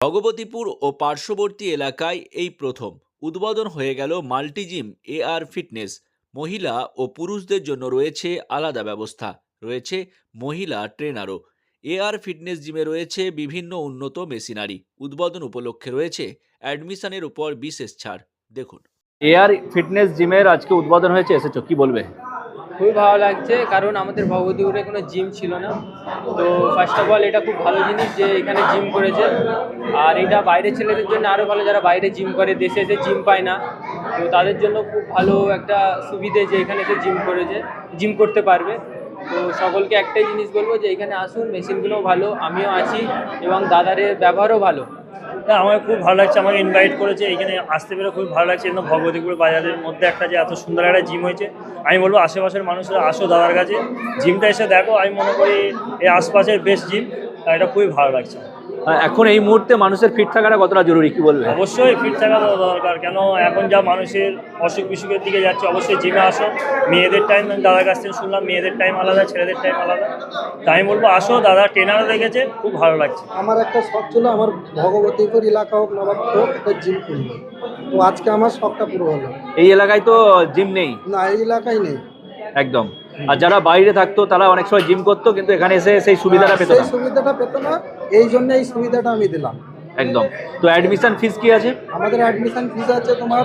ভগবতীপুর ও পার্শ্ববর্তী এলাকায় এই প্রথম উদ্বোধন হয়ে গেল মাল্টি জিম এআর ফিটনেস। মহিলা ও পুরুষদের জন্য রয়েছে আলাদা ব্যবস্থা, রয়েছে মহিলা ট্রেনারও। এআর ফিটনেস জিমে রয়েছে বিভিন্ন উন্নত মেশিনারি। উদ্বোধন উপলক্ষে রয়েছে অ্যাডমিশনের উপর বিশেষ ছাড়। দেখুন, এআর ফিটনেস জিমের আজকে উদ্বোধন হয়েছে, এসেছো, কি বলবে? খুবই ভালো লাগছে, কারণ আমাদের ভগবতীপুরে কোনো জিম ছিল না। তো ফার্স্ট অফ অল এটা খুব ভালো জিনিস যে এখানে জিম করেছে, আর এটা বাইরের ছেলেদের জন্য আরও ভালো, যারা বাইরে জিম করে, দেশে এসে জিম পায় না। তো তাদের জন্য খুব ভালো একটা সুবিধে যে এখানে এসে জিম করতে পারবে। তো সকলকে একটাই জিনিস বলবো যে এখানে আসুন, মেশিনগুলোও ভালো, আমিও আছি এবং দাদারের ব্যবহারও ভালো। হ্যাঁ, আমার খুব ভালো লাগছে, আমাকে ইনভাইট করেছে, এখানে আসতে পেরে খুব ভালো লাগছে। একদম ভগবতীপুর বাজারের মধ্যে একটা যে এত সুন্দর একটা জিম হয়েছে, আমি বলবো আশেপাশের মানুষরা আসো দাদার কাছে, জিমটা এসে দেখো। আমি মনে করি এই আশপাশের বেস্ট জিম, আর এটা খুবই ভালো লাগছে। এখন এই মুহূর্তে মানুষের ফিট থাকাটা কতটা জরুরি, কি বলবে? অবশ্যই ফিট থাকা দরকার, কেন এখন যা মানুষের অসুখ বিসুখের দিকে যাচ্ছে। অবশ্যই জিমে আসো। মেয়েদের টাইম দাদার কাছ থেকে শুনলাম, মেয়েদের টাইম আলাদা, ছেলেদের টাইম আলাদা। তাই আমি বলবো আসো, দাদা ট্রেনারও রেখেছে, খুব ভালো লাগছে। আমার একটা শখ ছিল, আমার ভগবতীপুর এলাকা হোক, নবাবপুর হোক, একটা জিম খুলবো। তো আজকে আমার শখটা পুরো হলো। এই এলাকায় তো জিম নেই, না, এই এলাকায় নেই একদম। আর যারা বাইরে থাকতো তারা অনেক সময় জিম করতো, কিন্তু এখানে এসে সেই সুবিধাটা পেত সেই না। সুবিধাটা পেত না, এই জন্য এই সুবিধাটা আমি দিলাম। একদম। তো অ্যাডমিশন ফিস কি আছে? আমাদের অ্যাডমিশন ফিস আছে তোমার,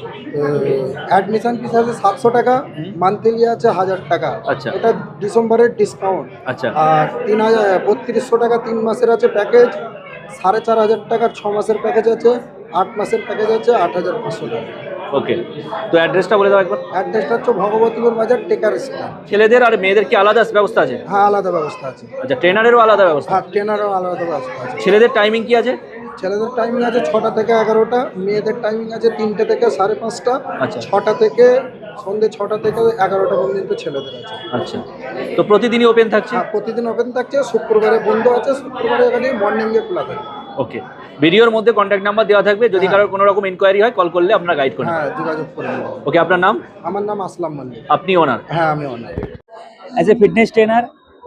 অ্যাডমিশন ফিস আছে 700 টাকা, মান্থলি আছে 1000 টাকা। আচ্ছা। এটা ডিসেম্বরের ডিসকাউন্ট। আচ্ছা। আর 3200 টাকা 3 মাসের আছে প্যাকেজ, 4500 টাকার 6 মাসের প্যাকেজ আছে, 8 মাসের প্যাকেজ আছে 8500 টাকা। ওকে, তো অ্যাড্রেসটা বলে দাও একবার। অ্যাড্রেসটা হচ্ছে ভগবতীপুর বাজার, টেকার স্ট্যান্ড। ছেলেদের আর মেয়েদের কি আলাদা ব্যবস্থা আছে? হ্যাঁ, আলাদা ব্যবস্থা আছে। আচ্ছা, ট্রেনারেরও আলাদা ব্যবস্থা? হ্যাঁ, ট্রেনারও আলাদা ব্যবস্থা আছে। ছেলেদের টাইমিং কি আছে? ছেলেদের টাইমিং আছে 6টা থেকে 11টা, মেয়েদের টাইমিং আছে 3টে থেকে 5:30টা। আচ্ছা। 6টা থেকে সন্ধ্যে 6টা থেকে 11টা পর্যন্ত ছেলেদের আছে। আচ্ছা, তো প্রতিদিনই ওপেন থাকছে? হ্যাঁ, প্রতিদিন ওপেন থাকছে, শুক্রবারে বন্ধ আছে, শুক্রবারে এখানে মর্নিংয়ে খোলা থাকে। ওকে, ভিডিওর মধ্যে কন্ট্যাক্ট নাম্বার দেওয়া থাকবে, যদি হ্যাঁ। কারোর কোনো রকম ইনকোয়ারি হয় কল করলে আপনারা গাইড করবেন। হ্যাঁ, যোগাযোগ করে নেব। ওকে, আপনার নাম? আমার নাম আসলাম মল্লিক। আপনি ওনার? হ্যাঁ, আমি owner. As a fitness trainer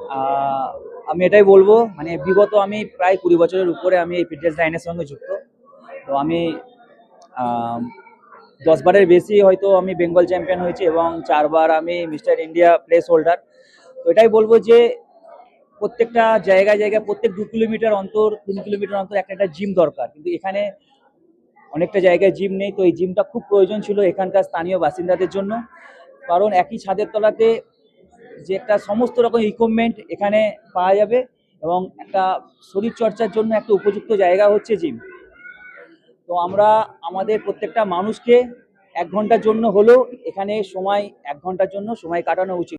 আমি এটাই বলবো, মানে বিগত আমি প্রায় 20 বছরের উপরে আমি এই ফিটনেস লাইনের সঙ্গে যুক্ত। তো আমি 10 বারের বেশি হয়তো আমি বেঙ্গল চ্যাম্পিয়ন হয়েছি এবং 4 বার আমি মিস্টার ইন্ডিয়া প্লেস হোল্ডার। তো এটাই বলবো যে প্রত্যেকটা জায়গায় জায়গায় প্রত্যেক 2 কিলোমিটার অন্তর, 3 কিলোমিটার অন্তর একটা জিম দরকার, কিন্তু এখানে অনেকটা জায়গায় জিম নেই। তো এই জিমটা খুব প্রয়োজন ছিল এখানকার স্থানীয় বাসিন্দাদের জন্য, কারণ একই ছাদের তলাতে যে একটা সমস্ত রকম ইকুইপমেন্ট এখানে পাওয়া যাবে এবং একটা শরীরচর্চার জন্য একটা উপযুক্ত জায়গা হচ্ছে জিম। তো আমরা আমাদের প্রত্যেকটা মানুষকে 1 ঘন্টার জন্য হলেও এখানে 1 ঘন্টার জন্য সময় কাটানো উচিত।